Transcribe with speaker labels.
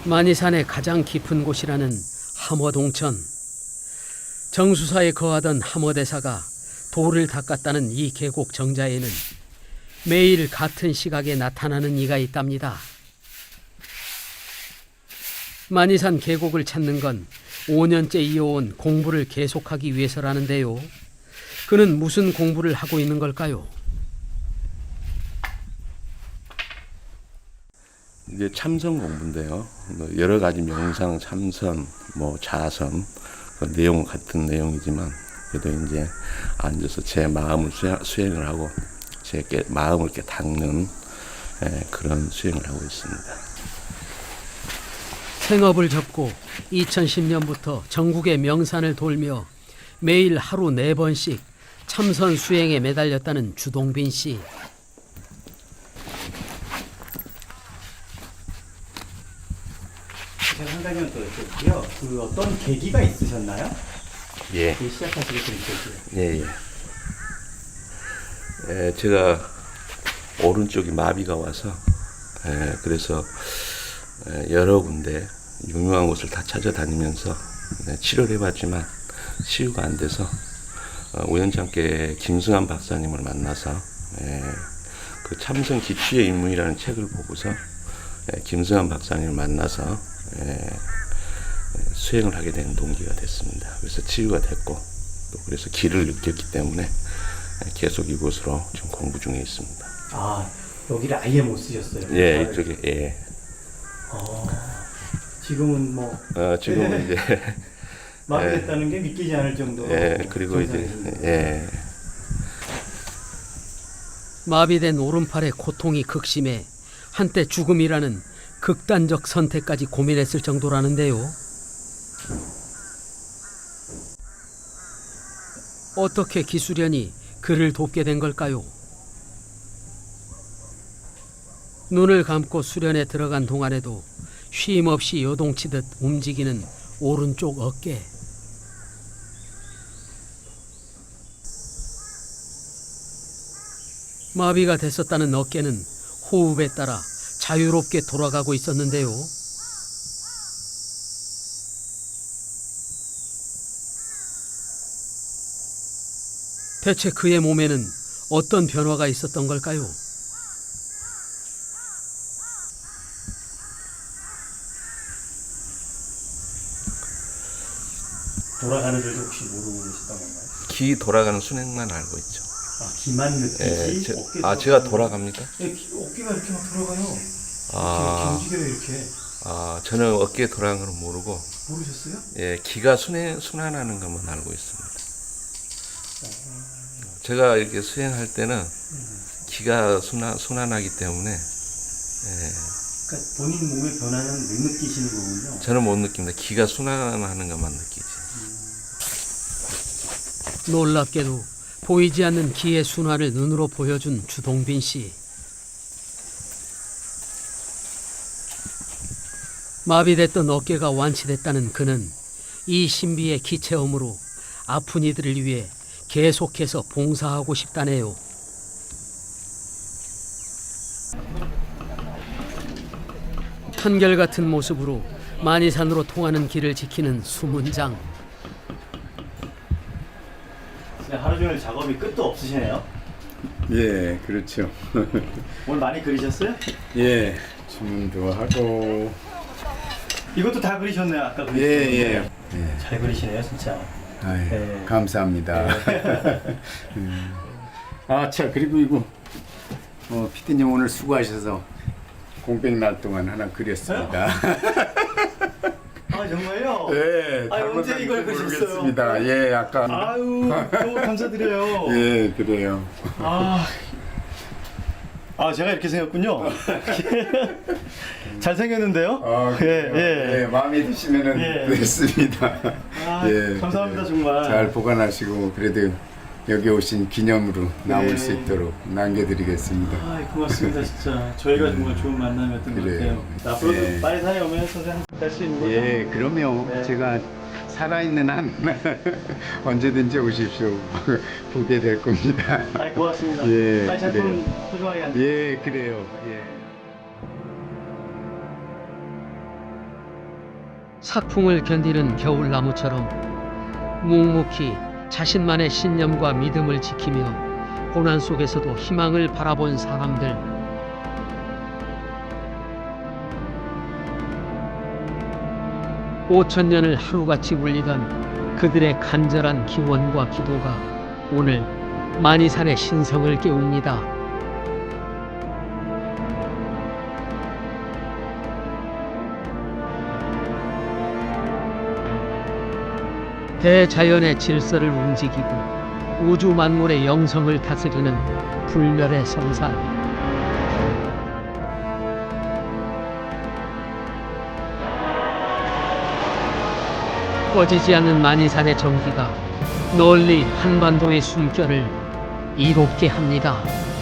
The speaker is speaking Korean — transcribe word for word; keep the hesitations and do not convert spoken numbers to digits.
Speaker 1: 만이산의 가장 깊은 곳이라는 함어동천. 정수사에 거하던 함어대사가 돌을 닦았다는 이 계곡 정자에는 매일 같은 시각에 나타나는 이가 있답니다. 만이산 계곡을 찾는 건 오 년째 이어온 공부를 계속하기 위해서라는데요. 그는 무슨 공부를 하고 있는 걸까요?
Speaker 2: 이제 참선 공부인데요. 여러 가지 명상, 참선, 뭐 자선 그 내용은 같은 내용이지만 그래도 이제 앉아서 제 마음을 수행을 하고 제 마음을 이렇게 닦는 그런 수행을 하고 있습니다.
Speaker 1: 생업을 접고 이천십 년부터 전국의 명산을 돌며 매일 하루 네 번씩 참선 수행에 매달렸다는 주동빈 씨.
Speaker 3: 제가 한 가지만 더 여쭤볼게요. 그 어떤 계기가 있으셨나요?
Speaker 2: 예.
Speaker 3: 시작하시게 된 계기.
Speaker 2: 예, 예. 에, 제가 오른쪽이 마비가 와서 에, 그래서 에, 여러 군데 유명한 곳을 다 찾아다니면서 네, 치료를 해봤지만 치유가 안 돼서 어, 우연찮게 김승환 박사님을 만나서 에, 그 참선 기취의 입문이라는 책을 보고서 에, 김승환 박사님을 만나서 에, 수행을 하게 된 동기가 됐습니다. 그래서 치유가 됐고 또 그래서 길을 느꼈기 때문에 계속 이곳으로 지금 공부 중에 있습니다.
Speaker 3: 아, 여기를 아예 못 쓰셨어요?
Speaker 2: 예, 이쪽에 예.
Speaker 3: 어, 지금은 뭐
Speaker 2: 어, 지금은 이제
Speaker 3: 마비됐다는 게 믿기지 않을 정도로.
Speaker 2: 예, 그리고 이제 예.
Speaker 1: 마비된 오른팔의 고통이 극심해 한때 죽음이라는 극단적 선택까지 고민했을 정도라는데요. 어떻게 기수련이 그를 돕게 된 걸까요? 눈을 감고 수련에 들어간 동안에도 쉼 없이 요동치듯 움직이는 오른쪽 어깨. 마비가 됐었다는 어깨는 호흡에 따라 자유롭게 돌아가고 있었는데요. 대체 그의 몸에는 어떤 변화가 있었던 걸까요?
Speaker 3: 돌아가는 줄도 혹시 모르고 계셨던 건가요?
Speaker 2: 기 돌아가는 순행만 알고 있죠.
Speaker 3: 아, 기만 느끼지?
Speaker 2: 예, 제,
Speaker 3: 어깨
Speaker 2: 아 제가 돌아갑니까?
Speaker 3: 예, 기, 어깨가 이렇게 막 돌아가요.
Speaker 2: 아,
Speaker 3: 이렇게 움직여요, 이렇게.
Speaker 2: 아 저는 어깨 돌아가는 걸 모르고
Speaker 3: 모르셨어요?
Speaker 2: 예, 기가 순행, 순환하는 것만 알고 있습니다. 제가 이렇게 수행할 때는 기가 순환, 순환하기 때문에 예,
Speaker 3: 그러니까 본인 몸의 변화는 못 느끼시는 거군요.
Speaker 2: 저는 못 느낍니다. 기가 순환하는 것만 느끼지.
Speaker 1: 놀랍게도 보이지 않는 기의 순환을 눈으로 보여준 주동빈 씨. 마비됐던 어깨가 완치됐다는 그는 이 신비의 기체험으로 아픈 이들을 위해 계속해서 봉사하고 싶다네요. 한결같은 모습으로 만이산으로 통하는 길을 지키는 수문장.
Speaker 3: 진짜 하루 종일 작업이 끝도 없으시네요.
Speaker 4: 예, 그렇죠.
Speaker 3: 오늘 많이 그리셨어요?
Speaker 4: 예, 주문도 하고.
Speaker 3: 이것도 다 그리셨네요. 아까
Speaker 4: 예,
Speaker 3: 그리셨는데.
Speaker 4: 예. 예.
Speaker 3: 잘 그리시네요, 진짜.
Speaker 4: 아이,
Speaker 3: 네.
Speaker 4: 감사합니다. 음. 아, 참, 그리고 이거 어, 피디님 오늘 수고하셔서 공백날 동안 하나 그렸습니다.
Speaker 3: 아, 정말요?
Speaker 4: 예,
Speaker 3: 아니, 언제
Speaker 4: 잘못한지
Speaker 3: 이걸 그리셨어요?
Speaker 4: 모르겠습니다. 예, 약간.
Speaker 3: 아유, 너무 감사드려요.
Speaker 4: 예, 그래요.
Speaker 3: 아, 아 제가 이렇게 생겼군요. 잘 생겼는데요?
Speaker 4: 아,
Speaker 3: 예,
Speaker 4: 그래요?
Speaker 3: 예.
Speaker 4: 예, 마음에 드시면은
Speaker 3: 예.
Speaker 4: 됐습니다.
Speaker 3: 아, 감사합니다,
Speaker 4: 예.
Speaker 3: 정말.
Speaker 4: 잘 보관하시고 그래도 여기 오신 기념으로 남을
Speaker 3: 네.
Speaker 4: 수 있도록 남겨드리겠습니다.
Speaker 3: 아, 고맙습니다, 진짜. 저희가 정말 좋은 만남이었던 것
Speaker 4: 그래요.
Speaker 3: 같아요. 앞으로도
Speaker 4: 예.
Speaker 3: 많이 다녀오면 선생님 할수 있는 거죠?
Speaker 4: 예, 그럼요.
Speaker 3: 네.
Speaker 4: 제가 살아있는 한 언제든지 오십시오. 보게 될 겁니다.
Speaker 3: 아, 고맙습니다.
Speaker 4: 예,
Speaker 3: 아니, 작품 소중하게 한
Speaker 4: 예, 그래요. 예.
Speaker 1: sak풍을 견디는 겨울나무처럼 묵묵히 자신만의 신념과 믿음을 지키며 고난 속에서도 희망을 바라본 사람들. 오천 년을 하루같이 울리던 그들의 간절한 기원과 기도가 오늘 만이산의 신성을 깨웁니다. 대자연의 질서를 움직이고 우주 만물의 영성을 다스리는 불멸의 성산. 꺼지지 않는 만이산의 전기가 널리 한반도의 숨결을 이롭게 합니다.